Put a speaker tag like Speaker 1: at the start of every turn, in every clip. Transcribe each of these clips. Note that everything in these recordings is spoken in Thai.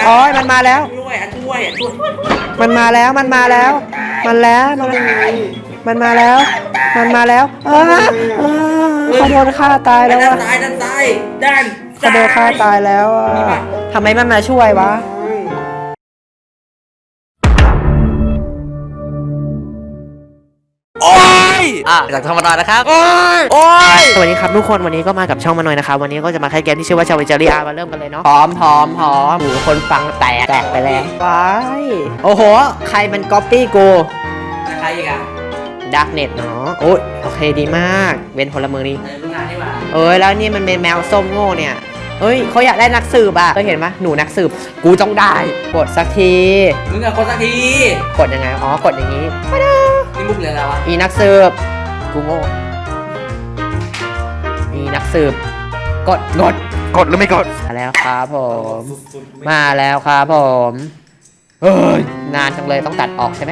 Speaker 1: อ๋อมันมาแล้ว
Speaker 2: ช่วย
Speaker 1: มันมาแล้วมันมาแล้วมันแล้วมันมาแล้วมันมาแล้วเขาโดนฆ่าตายแล้ว
Speaker 2: ด้านซ้ายด้านซ้ายด้าน
Speaker 1: เขาโดนฆ่าตายแล้วทำไมมันมาช่วยวะ
Speaker 2: โอ้ยจากธรรมดานะครับโอ้ย
Speaker 1: สวัสดีครับทุกคนวันนี้ก็มากับช่องมาหน่อยนะครับวันนี้ก็จะมาแค่เกมที่ชื่อว่าชาวเวจารีอามาเริ่มกันเลยเนาะพร้อมหมูคนฟังแตกไปแล้วว้ายโอ้โหใครมันก๊อปปี้กู
Speaker 2: ใครอีกอ่ะ
Speaker 1: ดักเน็ตเนาะโอ้ยโอเคดีมากเป็นพลเมืองดี
Speaker 2: ลูกงานนี่หว่า
Speaker 1: แล้วนี่มันเป็นแมวส้มโง่เนี่ยเขาอยากได้นักสืบอ่ะเคยเห็นไหมหนูนักสืบกูต้องได้กดสักที
Speaker 2: มึงอะกดสักที
Speaker 1: กดยังไงกดอย่างนี้
Speaker 2: นี่มุกเลยอะไรวะ
Speaker 1: อีนักสืบกูโง่อีนักสืบกดหรือไม่กดมาแล้วครับผมมาแล้วครับผมนานจังเลยต้องตัดออกใช่ไหม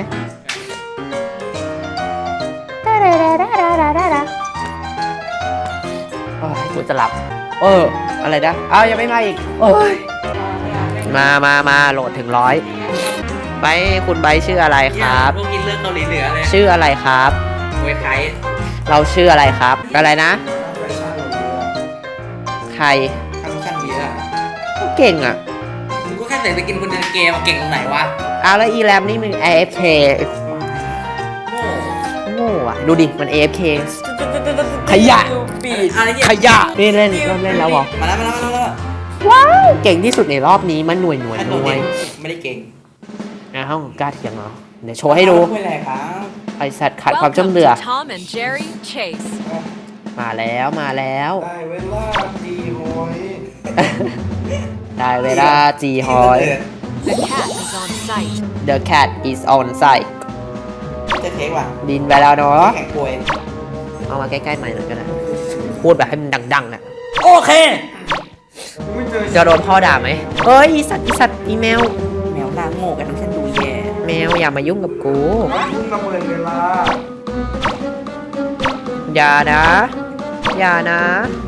Speaker 1: กูจะหลับอะไรนะยังไม่มาอีกมาโหลดถึง100ไปคุณใบชื่ออะไรครับ
Speaker 2: พวกกินเรื่องเกาหลีเหนือเลย
Speaker 1: ชื่ออะไรครับ
Speaker 2: มวยไทย
Speaker 1: เราชื่ออะไรครับอะไรนะใคร
Speaker 2: ช่างเบียร์
Speaker 1: เก่งอ่ะ
Speaker 2: มึงก็แค่ใส่ไปกินคนเดินเกมเก่งตรงไหนวะ
Speaker 1: แล้วอีแรมนี่มึง AFK โง่อะดูดิมัน AFK ขยะนี่เล่นแล้วเหรอ
Speaker 2: มาแล้ว
Speaker 1: ว้าวเก่งที่สุดในรอบนี้มันหน่วย
Speaker 2: ไม่ได้เก่ง
Speaker 1: ห้องกล้าเถียงเหรอเดี๋ยวโชว์ให้ดูไอสัตว์ขาดความจำเดือมาแล้วได้เวลาจีฮอย The cat is on site
Speaker 2: จะเทคว่ะ
Speaker 1: บินไปแล้วเนาะ
Speaker 2: แข่งป่วย
Speaker 1: เอามาใกล้ๆใหม่หน่อยก็ได้พูดแบบให้มันดังๆน่ะ
Speaker 2: โอเค
Speaker 1: จะโดนพ่อด่าไหมอีสัตว์อีแมว
Speaker 2: หน้าโง่กันฉันดูแย่
Speaker 1: แมวอย่ามายุ่งกับกู
Speaker 3: ยุ่งระเบิดเวลา
Speaker 1: อย่านะเม
Speaker 2: อย่ามา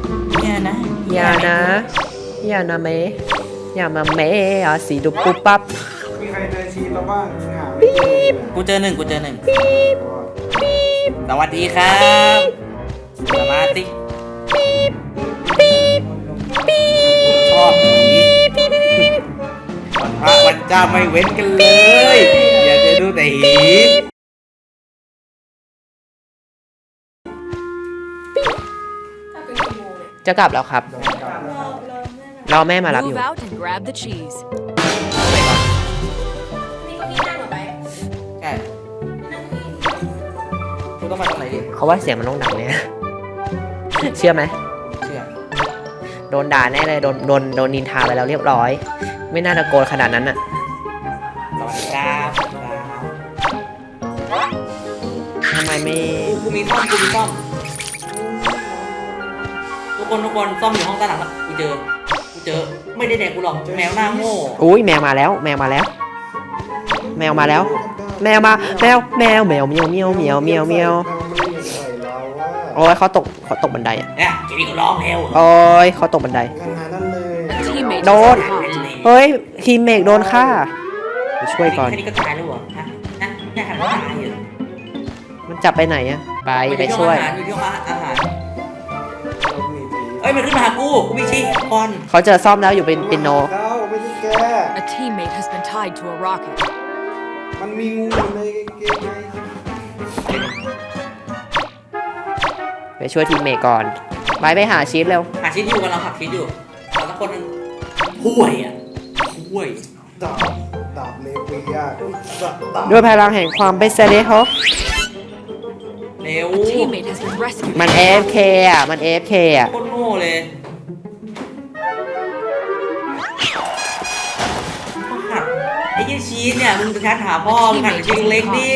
Speaker 1: เมสีดุปุ๊บปั๊บ
Speaker 3: มีใครเจอชีสแล้วบ้างหา
Speaker 1: ปี๊บ
Speaker 2: กูเจอหนึ่งปี๊บสวัสดีครับสมาธิปี๊บชอบวันพระวันเจ้าไม่เว้นกันเลยอยากจะดูแต่หี
Speaker 1: จะกลับแล้วครับรอแม่มารับอยู่
Speaker 2: ใช่กูต้องมาตรงไหนดิ
Speaker 1: เขาว่าเสียงมันต้องดังเนี่ยเชื่อไหม
Speaker 2: เชื่อ
Speaker 1: โดนด่าแน่เลยโดนนินทาไปแล้วเรียบร้อยไม่น่าตะโกนขนาดนั้นน่ะ
Speaker 2: สวัสดีครับ
Speaker 1: ทำไมไม่
Speaker 2: กูมีซ่อมทุกคนซ่อมอยู่ห้องใต้หลังกูเจอไม่ได้แดกกูหรอกแมวหน้าโง่
Speaker 1: แมวมาแล้วแมวมาแล้วแมวเมียวเขาตกบันไดอ่ะ
Speaker 2: เนี่ยจะมีกูร้องแล้ว
Speaker 1: เขาตกบันไดโดนทีมเมกโดนฆ่าไปช่วยก่อน
Speaker 2: แค่นี้ก็ตายแล้วเหรอฮะเนี่ยหันมาตายอยู่
Speaker 1: มันจับไปไหนอ่ะไปช่วย
Speaker 2: อยู่ที่อาหารมันขึ้นมาหากูมีชีก่อน
Speaker 1: เขาเจอซ่อมแล้วอยู่เป็นปิโน
Speaker 3: มันมีงูอยู่ในเกมไง
Speaker 1: ไปช่วยทีมเมกก่อนไปหาชีสเร็ว
Speaker 2: หาชีสอยู่กันเราหักชีสอยู่เราสักคนนึงห่วย
Speaker 3: ดาบเลเวีย
Speaker 1: ด้วยพลังแห่งความเป็นเซเลฮอ
Speaker 2: เร็ว
Speaker 1: มัน AFK อ่ะมัน AFK อ่ะ
Speaker 2: โคตรโง่เลยไอ้ยี่ชีสเนี่ยมึงจะหาพ่อมึงหันชีสเล็กดิ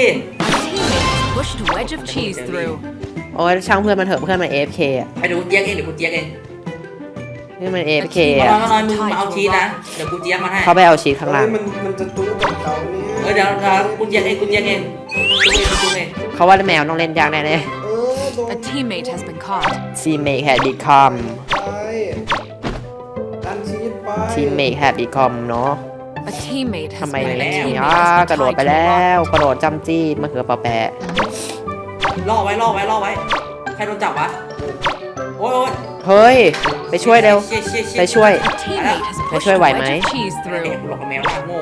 Speaker 1: ช่างเพื่อนมันเถอะเพื่อนมัน AFK อ่ะ
Speaker 2: ไปดูเจี๊ยกเองเดี๋ยวกูเจี๊ยกเอง
Speaker 1: นี่มัน AFK อ่ะ
Speaker 2: น้อยมึงมาเอาชีสนะเดี๋ยวกูเจี๊ยกมาให้
Speaker 1: เขาไปเอาชีสข้างล่าง
Speaker 3: มันจะตู้กับเขาเนี่ย
Speaker 2: เดี๋ยวกูเจี๊ยกเอง
Speaker 1: เขาว่าแมวต้องเล่นยากแน่เลย
Speaker 4: teammate has been caught.
Speaker 1: Teammate had become เนาะ
Speaker 4: A teammate
Speaker 1: ทำ
Speaker 4: has
Speaker 1: ไม
Speaker 4: been
Speaker 1: ไม่
Speaker 4: a
Speaker 1: มี
Speaker 4: teammate has
Speaker 1: กระ
Speaker 4: been
Speaker 1: โดด
Speaker 4: tied
Speaker 1: ไป
Speaker 4: to a
Speaker 1: แล้ว
Speaker 4: rock.
Speaker 1: กระโดดจำจี้มะเขือเปาแปะ
Speaker 2: ล่อไว้ใครโดนจับวะโอ้ย
Speaker 1: เฮ้ย ไปช่วยเร็ว ไปช่วย
Speaker 4: A teammate has pushed
Speaker 1: ช่วย
Speaker 4: a
Speaker 1: ไหว
Speaker 4: wedge
Speaker 1: ไหม
Speaker 4: of cheese
Speaker 2: เด็ก
Speaker 4: through.
Speaker 2: หลอกกับแมวหน้าโง่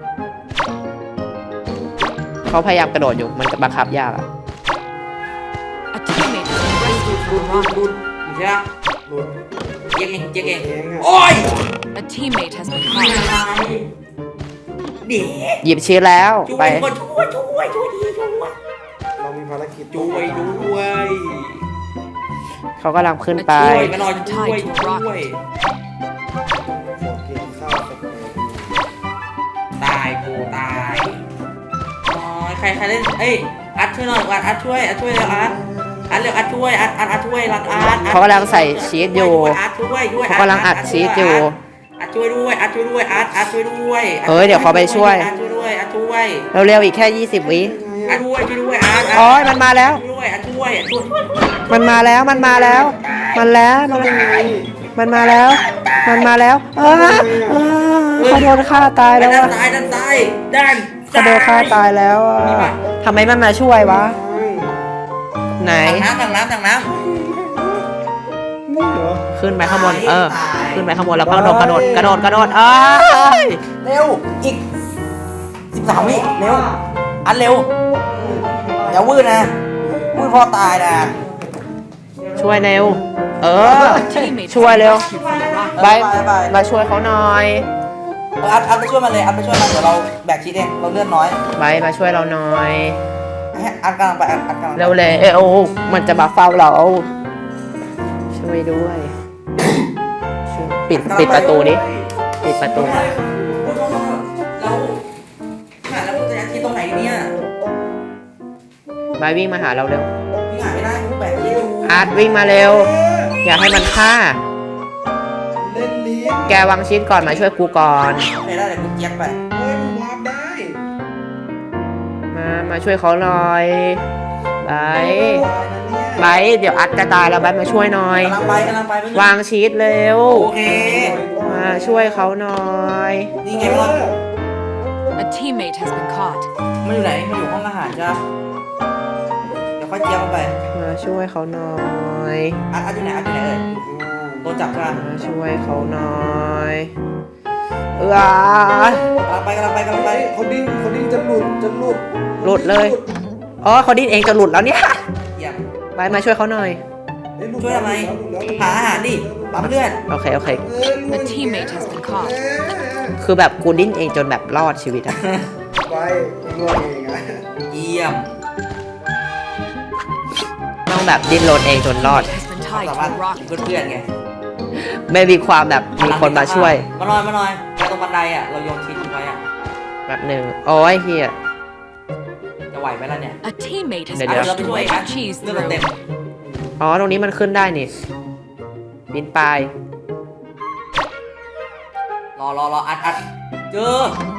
Speaker 1: เขาพยายามกระโดดอยู่มันบังคับยากอะ
Speaker 4: A teammate has been rescued from a rock.
Speaker 2: ดูใช่ไหม
Speaker 3: หลุด
Speaker 2: เจ๊กเอง
Speaker 3: เองอะ
Speaker 2: โอ้ย
Speaker 4: A teammate has been
Speaker 2: ไม่
Speaker 4: caught.
Speaker 2: อะไรเด็ก
Speaker 1: หยิบชีสแล้ว
Speaker 2: ช่ว
Speaker 1: ไป
Speaker 2: ยช่วยดีช่วย
Speaker 3: เรามีภารกิจ
Speaker 2: ช่วยด้วย
Speaker 1: เขากำลังขึ้นไป
Speaker 2: ช่วยมาหน่อยช่วย
Speaker 3: ขอกินข้าวสักหน่อย
Speaker 2: ตายกูตายอ๋อใครเล่นเอ้ยอัดช่วยหน่อยอัดช่วยเร็วอัดเร็วอัดช่วยอัดช่วยรักอัด
Speaker 1: เขากำลังใส่ชีสอยู่
Speaker 2: อัดช่วยด้วย
Speaker 1: เขากำลังอัดชีสอยู่
Speaker 2: อัดช่วยด้วยอัดช่วยด้วยอัดช่วยด้วย
Speaker 1: เฮ้ยเดี๋ยวเขาไปช่วย
Speaker 2: อัดช่วยด้วยอัดช่วย
Speaker 1: เร็วๆอีกแค่ 20 วิ
Speaker 2: อัดช่วยอัด
Speaker 1: โอ้ยมันมาแล้ว
Speaker 2: ช่วยอัดช่วย
Speaker 1: มันมาแล้ว มันมาแล้ว มันแล้วมันมาแล้ว มันมาแล้วเขาโดนฆ่าตายแล้ว
Speaker 2: ด้าน
Speaker 1: อะ
Speaker 2: ซ้ายด้าน
Speaker 1: เขาโดนฆ่าตายแล้วอะทำไมมันมาช่วยวะ ไหน
Speaker 2: ถังน้ำ
Speaker 3: นี่เหรอ
Speaker 1: ขึ้นไปข้างบน ขึ้นไปข้างบนแล้วก็กระโดด
Speaker 2: เร็วอีก13 วิเร็วอัดเร็วอย่าวืดนะวืดพอตายนะ
Speaker 1: ช่วยเร็ว
Speaker 4: A teammate
Speaker 1: ช่วยเร็ว
Speaker 4: has been rescued from a rock.
Speaker 1: ไปมาช่วยเขาหน่อย
Speaker 2: อัดไปช่วยมันเลยอัดไปช่วยมันเดี๋ยวเราแบกชีสเองเราเลือดน้อย
Speaker 1: ไปมาช่วยเราหน่อย
Speaker 2: อัดกำลังไปอัดกำลัง
Speaker 1: เร็วเลยโอ้มันจะมาเฝ้าเรา ช่วยด้วยปิดประตูดิปิดประตู
Speaker 2: เราหาแล้วกูจะยัดชีสตรงไหนเนี่ย
Speaker 1: ไปวิ่งมาหาเราเร็ว
Speaker 2: พี่หาไม่ได้กูแบกชีสอยู่
Speaker 1: อาร์ตวิ่งมาเร็ว อย่าให้มันฆ่า
Speaker 3: เล่นลิ้น
Speaker 1: แกวางชิ้นก่อนมาช่วยกูก่อน
Speaker 2: ไม่ได้เดี๋ยวกูเจี๊ยบไป
Speaker 3: เฮ้ยมึงวาร์ปได้
Speaker 1: มาช่วยเขาหน่อยไป
Speaker 3: ตายนะเนี่ย
Speaker 1: ไปเดี๋ยวอัดจะตายแล้วไปมาช่วยหน่อย
Speaker 2: กำลังไป
Speaker 1: วางชีสเร็ว
Speaker 2: โอเค
Speaker 1: มาช่วยเขาหน่อย
Speaker 2: นี่ไงมัน
Speaker 4: A teammate has been caught.
Speaker 2: มันอยู่ไหนมันอยู่ห้องอาหารจ้ะเดี๋ยวค่อยเจี๊ยบมันไป
Speaker 1: มาช่วยเขาหน่อย
Speaker 2: อัดอยู่ไหนเอ่ยโดนจับใช่ไหม
Speaker 1: มาช่วยเขาหน่อยเออก
Speaker 2: ำลังไป
Speaker 3: เขาดิ้นจะหลุด
Speaker 1: หลุดเลยอ๋อเขาดิ้นเองจะหลุดแล้วเนี่ย
Speaker 2: เยี่ยม
Speaker 1: ไปมาช่วยเขาหน่อย
Speaker 3: เฮ้หลุ
Speaker 2: ช่วยทำไม
Speaker 3: หลุดแล้ว
Speaker 2: หาอาหารดิปั๊มเลือด
Speaker 1: โอเค
Speaker 3: เออหลุ
Speaker 4: A
Speaker 3: ด
Speaker 4: teammate has been caught.
Speaker 1: คือแบบกูดิ้นเองจนแบบรอดชีวิตอะ
Speaker 3: ไปรวดเองอะ
Speaker 2: เยี่ยม
Speaker 1: ต้องแบบดิ้นรนเองจนรอด
Speaker 4: Has been
Speaker 2: ความ
Speaker 4: tied
Speaker 2: สา
Speaker 4: to
Speaker 2: มารถ
Speaker 4: a rock.
Speaker 2: เพื่อนๆไง
Speaker 1: ไม่มีความแบบมีคนมาช่วย
Speaker 2: มาหน่อยไปตรงบันไดอ่ะเราโยนชีสทิ้งไว้อ่ะ
Speaker 1: แบบหนึ่งโอ้ยเฮีย
Speaker 2: จะไหวไหมล่ะเนี่ย
Speaker 4: A teammate has
Speaker 1: เดี๋ยว
Speaker 2: เรา
Speaker 4: pushed
Speaker 2: ไป
Speaker 4: a
Speaker 2: ช่วย
Speaker 4: wedge
Speaker 2: อัด
Speaker 4: of cheese
Speaker 2: เลือดเรา
Speaker 4: through.
Speaker 2: เต็ม
Speaker 1: อ๋อตรงนี้มันขึ้นได้นี่ปีนป่าย
Speaker 2: รออัดเจอ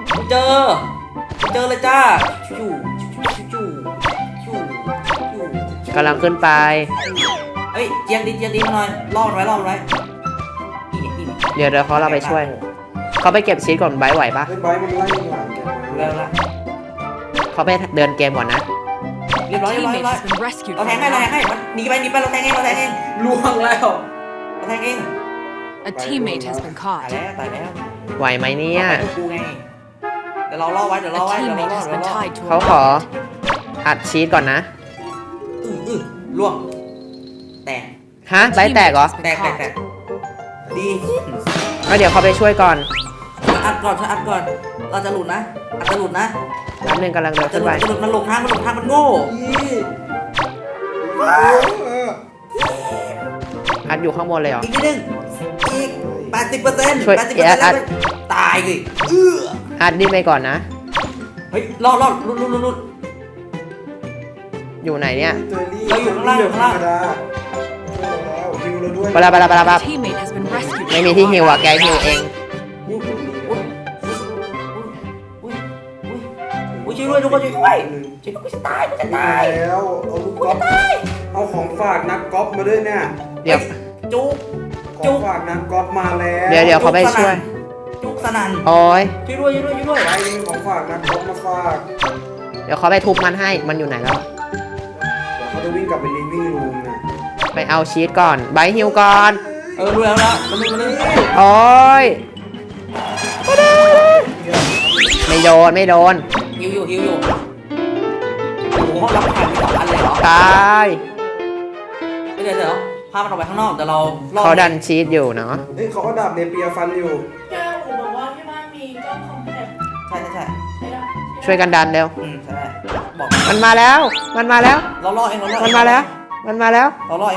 Speaker 2: เลยจ้าจู่
Speaker 1: กำลังขึ้นไป
Speaker 2: เฮ้ยเจียงดิมาหน่อยล่อมันไว้นี่
Speaker 1: เดี๋ยวเขาเราไปช่วย เขาไปเก็บชีสก่อนไบร์ทไหวปะ
Speaker 3: เฮ้ยไบร์ทมันไล่ยิงหลังแก
Speaker 2: เร็วละ
Speaker 1: เขาไปเดินเกมก่อนนะ
Speaker 2: เรียบ
Speaker 4: A
Speaker 2: ร้อย
Speaker 4: teammate has been rescued
Speaker 2: เรา
Speaker 4: from
Speaker 2: แทง
Speaker 4: a
Speaker 2: ให้
Speaker 4: rock.
Speaker 2: มันหนีไปเราแทงเองล่วงแล้วเราแทงเอง
Speaker 4: A teammate has been
Speaker 2: ตาย
Speaker 4: caught.
Speaker 2: แล้ว
Speaker 1: ไหวไหมเนี่ย
Speaker 2: กูไงเดี๋ยวเราล่อไว้
Speaker 4: A teammate has been tied to
Speaker 1: เขา
Speaker 4: a
Speaker 1: ขอ
Speaker 4: rock.
Speaker 1: อัดชีสก่อนนะ
Speaker 2: ล่วงแตก
Speaker 1: ฮะไบร์ทแตกเหรอ
Speaker 2: แตกดี
Speaker 1: แล้วเดี๋ยวเขาไปช่วยก่อน
Speaker 2: อัดก่อนเราจะหลุดนะอัดจะหลุดนะ
Speaker 1: แป๊บนึงกำลังเดินขึ้นไป
Speaker 2: มันหลงทางมันโง่
Speaker 3: ยี่เออ
Speaker 1: อัดอยู่ข้างบนเลยเหรอ
Speaker 2: อีกนิดนึงอีก 80%
Speaker 1: ช่วย
Speaker 2: 80%
Speaker 1: อัด
Speaker 2: ตายเลย
Speaker 1: อัดดิ้นไปก่อนนะ
Speaker 2: เฮ้ยรอดลุด
Speaker 1: อยู่ไหนเนี่ย
Speaker 3: เจอรี่
Speaker 2: เราอยู่ข้างล่าง
Speaker 3: ธรรมดาช่วยเราแล้วฮิวเราด้วย
Speaker 1: ปะลาปะลาปะลาปะ
Speaker 4: A teammate has been rescued.
Speaker 1: ไม่มีที่ฮิวอ่ะแกฮิวเอง
Speaker 2: อุ้ยช่วยด้วยทุกคนช่วยด้วยกูจะตาย
Speaker 3: แล้วเอาลูกกอล์ฟเอาของฝากนักกอล์ฟมาด้วยเนี่ย
Speaker 1: เดี๋ยว
Speaker 2: จุก
Speaker 3: ของฝากนักกอล์ฟมาแล้ว
Speaker 1: เดี๋ยวเขาไปช่วย
Speaker 2: จุกสนั่น
Speaker 1: โอ้ย
Speaker 2: ช่วยด้วยช่วยด้วยช่วยด้วย
Speaker 3: ไอ้มีของฝากนักก๊อปมาฝาก
Speaker 1: เดี๋ยวเขาไปทุบมันให้มันอยู่ไหนแล้ว
Speaker 3: เดี๋ยวเขาจะวิ่งกลับไปลิฟวิ่งรูมนะ
Speaker 1: ไปเอาชีสก่อนไบร์ทฮิวก่อน
Speaker 2: รู้แล้วนะมันนึง
Speaker 1: โอ้ยไม่โดนไม่โดน
Speaker 2: ฮิวอยู่โอ้โหรับผ่านมี2 อันเลยเหรอ
Speaker 1: ตาย
Speaker 2: เดี๋ยวพามันออกไปข้างนอกแต่เราล่อ
Speaker 1: เขาดันชีสอยู่เนาะ
Speaker 3: เฮ้ยเขาก็ดาบเนเปียฟันอยู่
Speaker 5: แก้วอูบอกว่าที่บ้านมีกล้องคอมแพค
Speaker 2: ใช่
Speaker 5: ใช่ได้
Speaker 1: ช่วยกันดันเร็ว
Speaker 2: ใช่บอก
Speaker 1: มันมาแล้ว มันมาแล้ว
Speaker 2: เราล่อเอง
Speaker 1: มันมาแล้ว มันมาแล้ว
Speaker 2: เราล่อเอง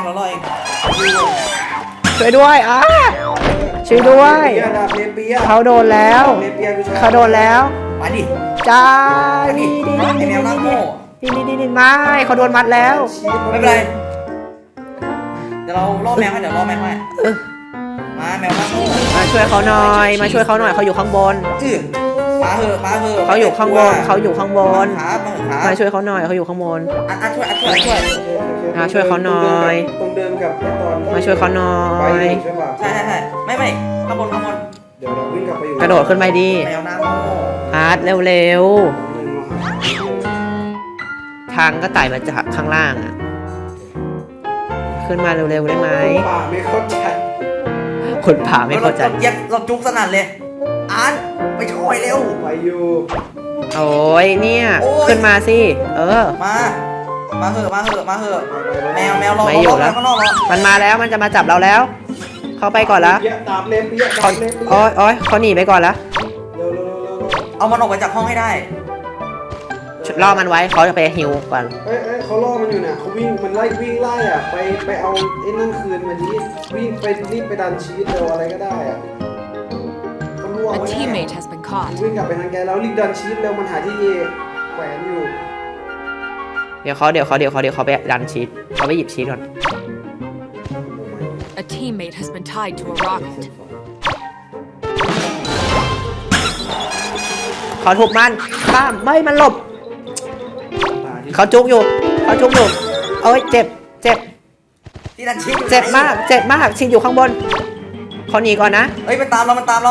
Speaker 1: ช่วยด้วยอ่ะช่วยด้วย
Speaker 3: ดาบเนเปีย
Speaker 1: เขาโดนแล้ว
Speaker 3: เนเปียกูใช้
Speaker 1: เขาโดนแล้ว
Speaker 2: มาดิ
Speaker 1: จ้า
Speaker 2: มาดิ
Speaker 1: ดี
Speaker 2: ไอแมวหน้าโง่
Speaker 1: ดีไม่เขาโดนมัดแล้ว
Speaker 2: ไม่เป็นไรเดี๋ยวเราล่อแมวให้มาแมวหน้าโง่
Speaker 1: มาช่วยเขาหน่อย มาช่วยเขาหน่อยเขาอยู่ข้างบน
Speaker 2: มาเหอะ
Speaker 1: เขาอยู่ข้างบนเขาอยู่ข้างบน
Speaker 2: ครับมา
Speaker 1: มาช่วยเขาหน่อยเขาอยู่ข้างบน
Speaker 2: อัดช่วย
Speaker 1: มาช่วยเขาหน่อย
Speaker 3: ตรงเดิมกับไอ้ตอนที่
Speaker 1: มาช่วยเขาหน่อ
Speaker 3: ไป
Speaker 1: ย
Speaker 3: ใช่ป่ะ
Speaker 2: ใช่ไม่ข้างบน
Speaker 3: เดี๋ยวเราวิ่งกลับไปอยู่
Speaker 1: กระโดดขึ้นไปดี
Speaker 2: แมวหน้าโง่
Speaker 1: อาร์ตเร็ว
Speaker 3: หนึ่งมา
Speaker 1: ๆ ทางก็ไต่มาจากข้างล่างอ่ะ ขึ้นมาเร็วๆได้ไหม
Speaker 3: ป่าไม่เข้าใจ
Speaker 1: คนผ่าไม่เข้าใจ
Speaker 2: เราจุกสนั่นเลยอ่านไปช่วยเร็ว
Speaker 3: ไปอยู่
Speaker 1: โอ้ยเนี่ย
Speaker 2: โอ้ย
Speaker 1: ขึ้นมาสิ เออ
Speaker 2: มาเหอะแมวรอ
Speaker 1: ไม่อยู่แล้ว
Speaker 2: ข้างนอกรอ
Speaker 1: มันมาแล้วมันจะมาจับเราแล้ว เขาไปก่อนแล้ว
Speaker 3: ดาบเนเปียดา
Speaker 1: เขา
Speaker 3: บเนเปีย
Speaker 1: โอ้ยเขาหนีไปก่อนแล้ว
Speaker 3: เร็ว
Speaker 2: เอามันออกไปจากห้องให้ได้
Speaker 1: ล่อมันไว้เขาจะไปฮิวก่อน
Speaker 3: เอ้ยเขาล่อมันอยู่น่ะเขาวิ่งมันวิ่งไล่อ่ะไปเอาไอ้นั่นคืนมาดิวิ่งไปรีบไปดันชีวิตเร็วอะไรก็ได้อ่ะเขาล่วง
Speaker 4: A
Speaker 3: ไว้
Speaker 4: teammate has been caught.
Speaker 3: วิ่งกลับไปทางแกแล้วรีบดันชีวิตเร็วมันหาที่เอแขวนอยู่
Speaker 1: เดี๋ยวเขาไปดันชีสเขาไปหยิบชีสก่อน
Speaker 4: A teammate has been tied to a rocket.
Speaker 1: เขาทุบมันป้ามไม่มันหลบ เขาจุกอยู่เอ้ยเจ็บ
Speaker 2: ที่ดันชิป
Speaker 1: เจ็บมากชีสอยู่ข้างบนเขาหนีก่อนนะ
Speaker 2: เฮ้ยมันตามเรามันตามเรา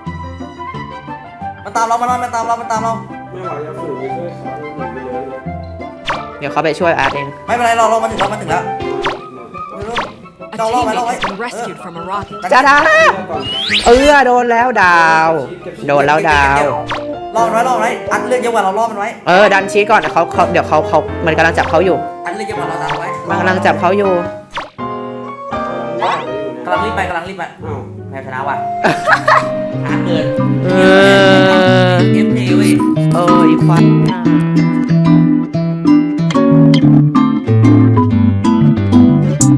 Speaker 2: มันตามเรา
Speaker 3: ไม่ไหวจะฝืนไปช่วยเขาหนีไปเลย
Speaker 1: เดี๋ยวเขาไปช่วยอาร์ตเอง
Speaker 2: ไม่เป็นไรเรามาถึงแล้ว
Speaker 4: A
Speaker 2: เราล่อไว้
Speaker 4: teammate has been rescued from a rocket.
Speaker 1: จ้าดาโดนแล้วดาว โดนแล้วดาว
Speaker 2: ล่อมันไว้อัดเลือดเยอะกว่าเราล่อมันไว้
Speaker 1: ดันชีสก่อนเขาเดี๋ยวเขามันกำลังจับเขาอยู่
Speaker 2: อัดเลือดเยอะกว่าเราตามไว้
Speaker 1: มันกำลังจับเขาอยู่
Speaker 2: กำลังรีบไป
Speaker 3: อ้าว
Speaker 2: แพ้ชนะว่ะอาเกิน
Speaker 1: เออ
Speaker 2: เอฟเอเว้ย
Speaker 1: อีควัน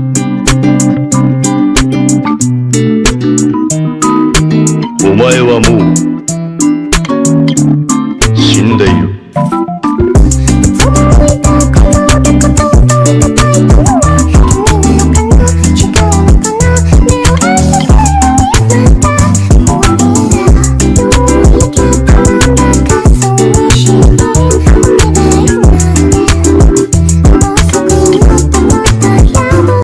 Speaker 6: お前はも